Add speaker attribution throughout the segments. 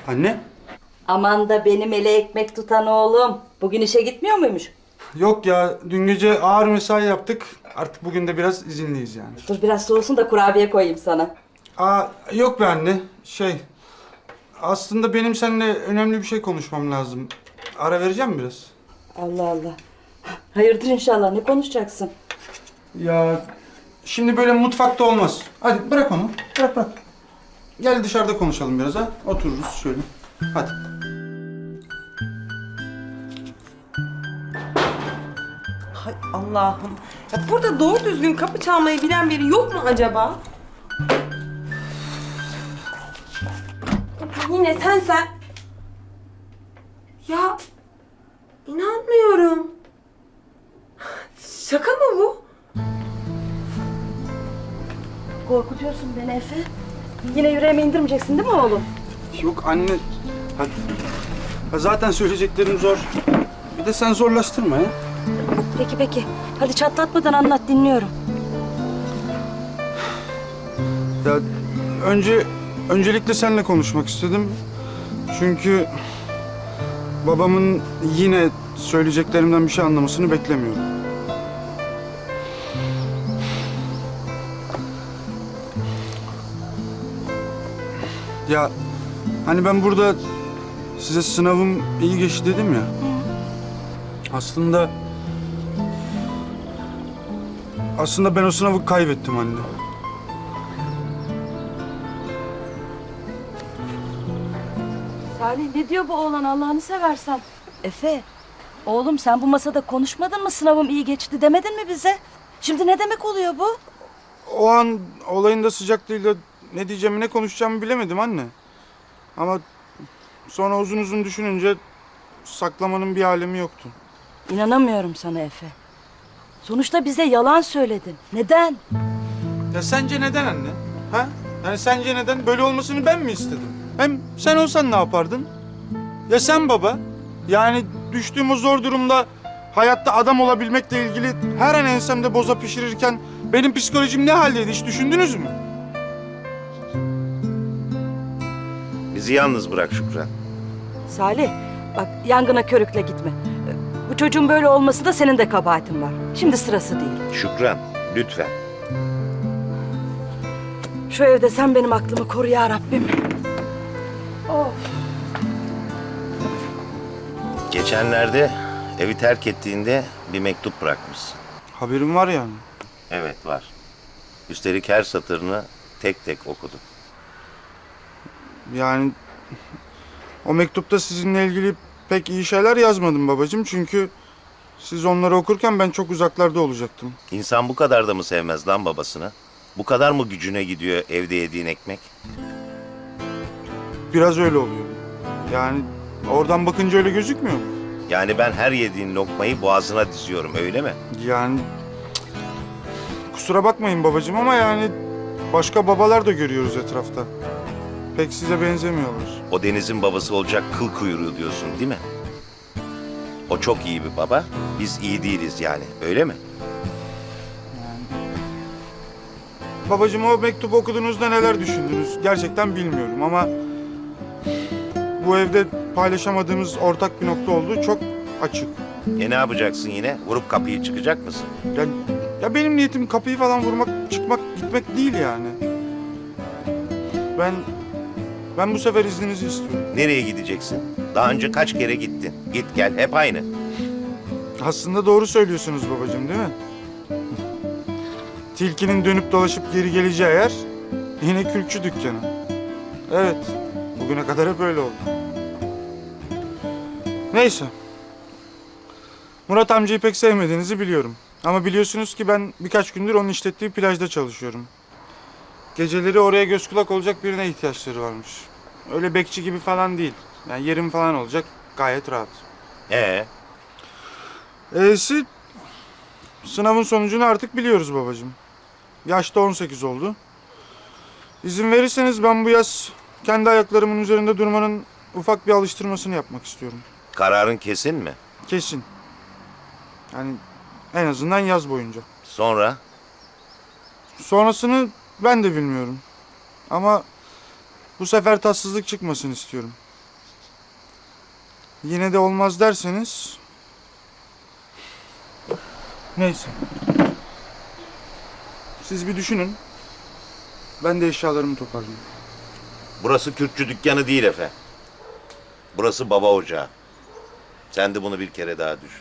Speaker 1: Anne?
Speaker 2: Aman da benim ele ekmek tutan oğlum. Bugün işe gitmiyor muymuş?
Speaker 1: Yok ya, dün gece ağır mesai yaptık. Artık bugün de biraz izinliyiz yani.
Speaker 2: Dur biraz soğusun da kurabiye koyayım sana.
Speaker 1: Yok be anne. Aslında benim seninle önemli bir şey konuşmam lazım. Ara vereceğim biraz.
Speaker 2: Allah Allah. Hayırdır inşallah. Ne konuşacaksın?
Speaker 1: Ya şimdi böyle mutfakta olmaz. Hadi bırak onu. Bırak. Gel dışarıda konuşalım biraz ha. Otururuz şöyle. Hadi.
Speaker 3: Hay Allah'ım. Ya burada doğru düzgün kapı çalmayı bilen biri yok mu acaba? Yine sen. Ya inanmıyorum. Şaka mı bu?
Speaker 2: Korkutuyorsun beni Efe. Yine yüreğime indirmeyeceksin değil mi oğlum?
Speaker 1: Yok anne. Hadi. Ha, zaten söyleyeceklerim zor. Bir de sen zorlaştırma ya.
Speaker 2: Peki. Hadi çatlatmadan anlat, dinliyorum.
Speaker 1: Ya öncelikle seninle konuşmak istedim. Çünkü babamın yine söyleyeceklerimden bir şey anlamasını beklemiyorum. Ya hani ben burada size sınavım iyi geçti dedim ya. Aslında ben o sınavı kaybettim anne.
Speaker 2: Salih ne diyor bu oğlan Allah'ını seversen? Efe, oğlum sen bu masada konuşmadın mı sınavım iyi geçti demedin mi bize? Şimdi ne demek oluyor bu?
Speaker 1: O an olayın da sıcaklığıyla ne diyeceğimi ne konuşacağımı bilemedim anne. Ama sonra uzun uzun düşününce saklamanın bir alemi yoktu.
Speaker 2: İnanamıyorum sana Efe. Sonuçta bize yalan söyledin. Neden?
Speaker 1: Ya sence neden anne? Ha? Yani sence neden? Böyle olmasını ben mi istedim? Hem sen olsan ne yapardın? Ya sen baba? Yani düştüğüm o zor durumda hayatta adam olabilmekle ilgili her an ensemde boza pişirirken benim psikolojim ne haldeydi hiç düşündünüz mü?
Speaker 4: Bizi yalnız bırak Şükran.
Speaker 2: Salih, bak yangına körükle gitme. Bu çocuğun böyle olması da senin de kabahatin var. Şimdi sırası değil.
Speaker 4: Şükran, lütfen.
Speaker 2: Şu evde sen benim aklımı koru ya Rabbim. Of.
Speaker 4: Geçenlerde evi terk ettiğinde bir mektup bırakmışsın.
Speaker 1: Haberim var yani.
Speaker 4: Evet, var. Üstelik her satırını tek tek okudum.
Speaker 1: Yani o mektupta sizinle ilgili pek iyi şeyler yazmadım babacığım. Çünkü siz onları okurken ben çok uzaklarda olacaktım.
Speaker 4: İnsan bu kadar da mı sevmez lan babasını? Bu kadar mı gücüne gidiyor evde yediğin ekmek?
Speaker 1: Biraz öyle oluyor. Yani oradan bakınca öyle gözükmüyor mu?
Speaker 4: Yani ben her yediğin lokmayı boğazına diziyorum, öyle mi?
Speaker 1: Yani kusura bakmayın babacığım ama yani başka babalar da görüyoruz etrafta. Pek size benzemiyorlar.
Speaker 4: O Deniz'in babası olacak kıl kuyruğu diyorsun, değil mi? O çok iyi bir baba, biz iyi değiliz yani, öyle mi?
Speaker 1: Babacığım o mektubu okuduğunuzda neler düşündünüz? Gerçekten bilmiyorum ama bu evde paylaşamadığımız ortak bir nokta olduğu çok açık.
Speaker 4: Ne yapacaksın yine? Vurup kapıyı çıkacak mısın?
Speaker 1: Ya benim niyetim kapıyı falan vurmak, çıkmak, gitmek değil yani. Ben bu sefer izninizi istiyorum.
Speaker 4: Nereye gideceksin? Daha önce kaç kere gittin? Git gel, hep aynı.
Speaker 1: Aslında doğru söylüyorsunuz babacığım değil mi? Tilkinin dönüp dolaşıp geri geleceği yer yine kürkçü dükkanı. Evet, bugüne kadar hep öyle oldu. Neyse. Murat amcayı pek sevmediğinizi biliyorum. Ama biliyorsunuz ki ben birkaç gündür onun işlettiği plajda çalışıyorum. Geceleri oraya göz kulak olacak birine ihtiyaçları varmış. Öyle bekçi gibi falan değil. Yani yerim falan olacak, gayet rahat. Sınavın sonucunu artık biliyoruz babacığım. Yaş da 18 oldu. İzin verirseniz ben bu yaz kendi ayaklarımın üzerinde durmanın ufak bir alıştırmasını yapmak istiyorum.
Speaker 4: Kararın kesin mi?
Speaker 1: Kesin. Yani en azından yaz boyunca.
Speaker 4: Sonra?
Speaker 1: Sonrasını ben de bilmiyorum. Ama bu sefer tatsızlık çıkmasın istiyorum. yine de olmaz derseniz... Neyse. Siz bir düşünün. Ben de eşyalarımı toparlayayım.
Speaker 4: Burası Kürtçü dükkanı değil Efe. Burası baba ocağı. Sen de bunu bir kere daha düşün.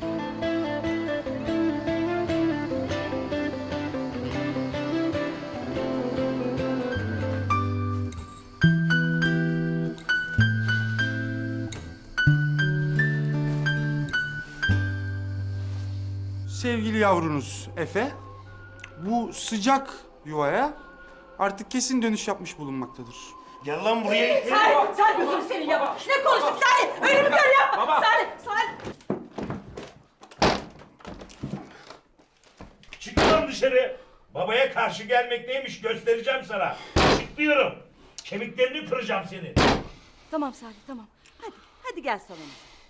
Speaker 1: Sevgili yavrunuz Efe, bu sıcak yuvaya artık kesin dönüş yapmış bulunmaktadır.
Speaker 4: Gel lan buraya.
Speaker 2: Salih gözünü seveyim ya. Ne konuştuk Salih? Öyle mi böyle ya? Baba. Salih.
Speaker 5: Çık lan dışarı. Babaya karşı gelmek neymiş göstereceğim sana. Çık diyorum. Kemiklerini kıracağım seni.
Speaker 2: Tamam Salih tamam. Hadi gel salona.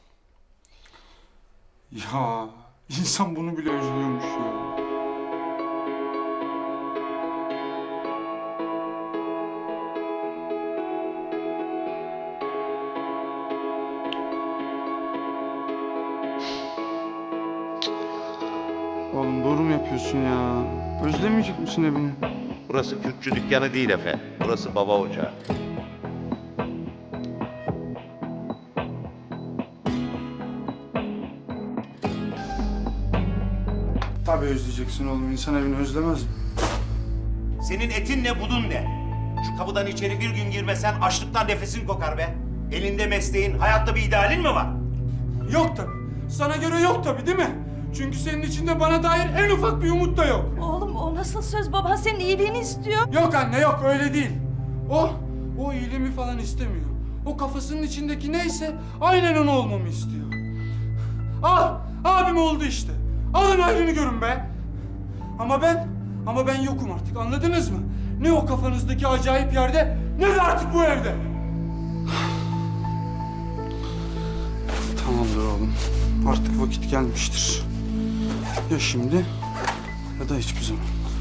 Speaker 1: Ya insan bunu bile özlüyormuş ya. Oğlum doğru mu yapıyorsun ya? Özlemeyecek misin evini?
Speaker 4: Burası Kürtçü dükkanı değil Efe. Burası baba ocağı.
Speaker 1: Tabii özleyeceksin oğlum. İnsan evini özlemez mi?
Speaker 4: Senin etin ne budun ne? Şu kapıdan içeri bir gün girmesen açlıktan nefesin kokar be. Elinde mesleğin, hayatta bir idealin mi var?
Speaker 1: Yok tabii. Sana göre yok tabii değil mi? Çünkü senin içinde bana dair en ufak bir umut da yok.
Speaker 2: Oğlum o nasıl söz? Baban senin iyiliğini istiyor.
Speaker 1: Yok anne yok öyle değil. O iyiliğimi falan istemiyor. O kafasının içindeki neyse aynen onu olmamı istiyor. Abim oldu işte. Alın ayrını görün be. Ama ben yokum artık anladınız mı? Ne o kafanızdaki acayip yerde ne de artık bu evde. Tamamdır oğlum. Artık vakit gelmiştir. Ya şimdi ya da hiçbir zaman.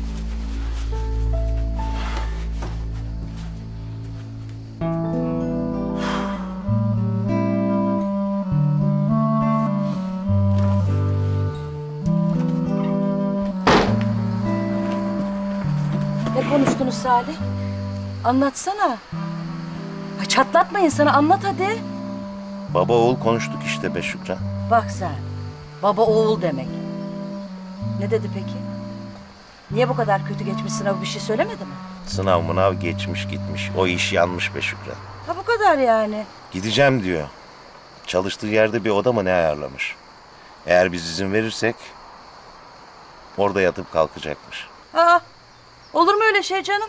Speaker 2: Ne konuştunuz Salih? Anlatsana. Ha, çatlatma insanı anlat hadi.
Speaker 4: Baba oğul konuştuk işte be Şükran.
Speaker 2: Bak sen. Baba oğul demek. Ne dedi peki? Niye bu kadar kötü geçmiş sınavı bir şey söylemedi mi?
Speaker 4: Sınav mınav geçmiş gitmiş. O iş yanmış be Şükran.
Speaker 2: Ha bu kadar yani.
Speaker 4: Gideceğim diyor. Çalıştığı yerde bir oda mı ne ayarlamış. Eğer biz izin verirsek orada yatıp kalkacakmış.
Speaker 2: Aa, olur mu öyle şey canım?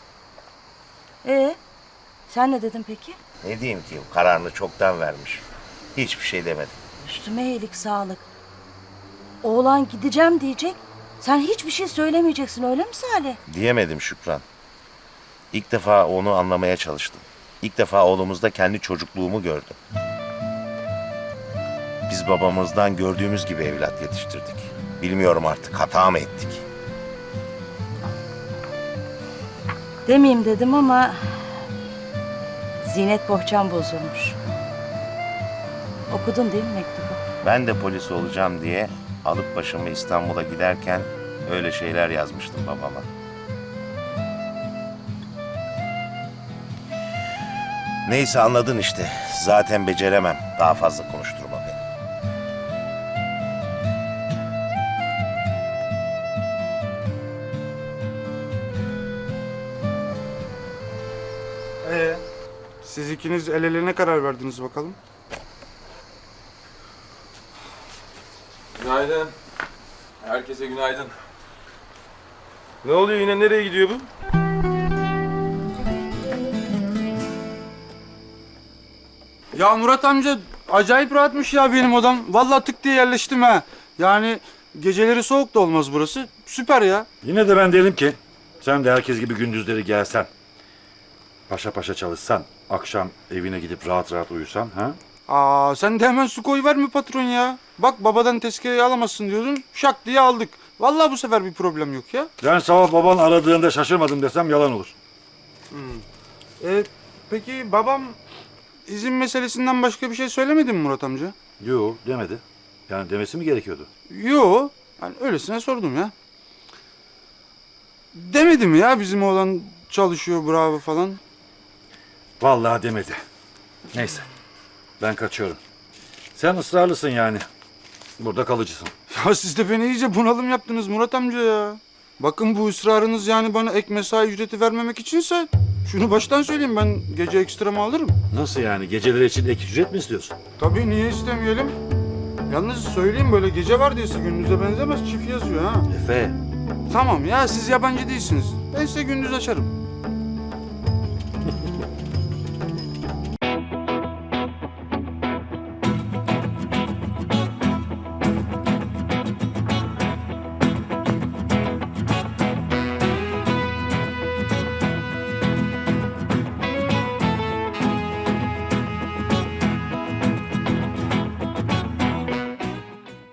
Speaker 2: Sen ne dedin peki?
Speaker 4: Ne diyeyim ki kararını çoktan vermiş. Hiçbir şey demedim.
Speaker 2: Üstüme iyilik sağlık. Oğlan gideceğim diyecek. Sen hiçbir şey söylemeyeceksin öyle mi Salih?
Speaker 4: Diyemedim Şükran. İlk defa onu anlamaya çalıştım. İlk defa oğlumuzda kendi çocukluğumu gördüm. Biz babamızdan gördüğümüz gibi evlat yetiştirdik. Bilmiyorum artık hata mı ettik?
Speaker 2: Demeyeyim dedim ama... Zinet bohçam bozulmuş. Okudun değil mi mektubu?
Speaker 4: Ben de polis olacağım diye alıp başımı İstanbul'a giderken öyle şeyler yazmıştım babama. Neyse anladın işte. Zaten beceremem. Daha fazla konuşturma beni.
Speaker 1: Siz ikiniz el ele ne karar verdiniz bakalım?
Speaker 6: Günaydın. Herkese günaydın. Ne oluyor yine nereye gidiyor bu?
Speaker 1: Ya Murat amca acayip rahatmış ya benim odam. Vallahi tık diye yerleştim ha. Yani geceleri soğuk da olmaz burası. Süper ya.
Speaker 7: Yine de ben derim ki sen de herkes gibi gündüzleri gelsen. Paşa paşa çalışsan, akşam evine gidip rahat rahat uyusan ha?
Speaker 1: Sen de hemen su koyuverme patron ya. Bak babadan tezkereyi alamazsın diyordun. Şak diye aldık. Vallahi bu sefer bir problem yok ya.
Speaker 7: Ben sabah baban aradığında şaşırmadım desem yalan olur.
Speaker 1: Peki babam izin meselesinden başka bir şey söylemedin mi Murat amca?
Speaker 7: Yo demedi. Yani demesi mi gerekiyordu?
Speaker 1: Yo. Yani öylesine sordum ya. Demedi mi ya bizim oğlan çalışıyor bravo falan?
Speaker 7: Vallahi demedi. Neyse. Ben kaçıyorum. Sen ısrarlısın yani. Burada kalıcısın.
Speaker 1: Ya siz de beni iyice bunalım yaptınız Murat amca ya. Bakın bu ısrarınız yani bana ek mesai ücreti vermemek içinse şunu baştan söyleyeyim ben gece ekstramı alırım.
Speaker 7: Nasıl yani? Geceleri için ek ücret mi istiyorsun?
Speaker 1: Tabii niye istemeyelim? Yalnız söyleyeyim böyle gece vardiyası gündüze benzemez çift yazıyor ha.
Speaker 7: Efe.
Speaker 1: Tamam ya siz yabancı değilsiniz. Ben size gündüz açarım.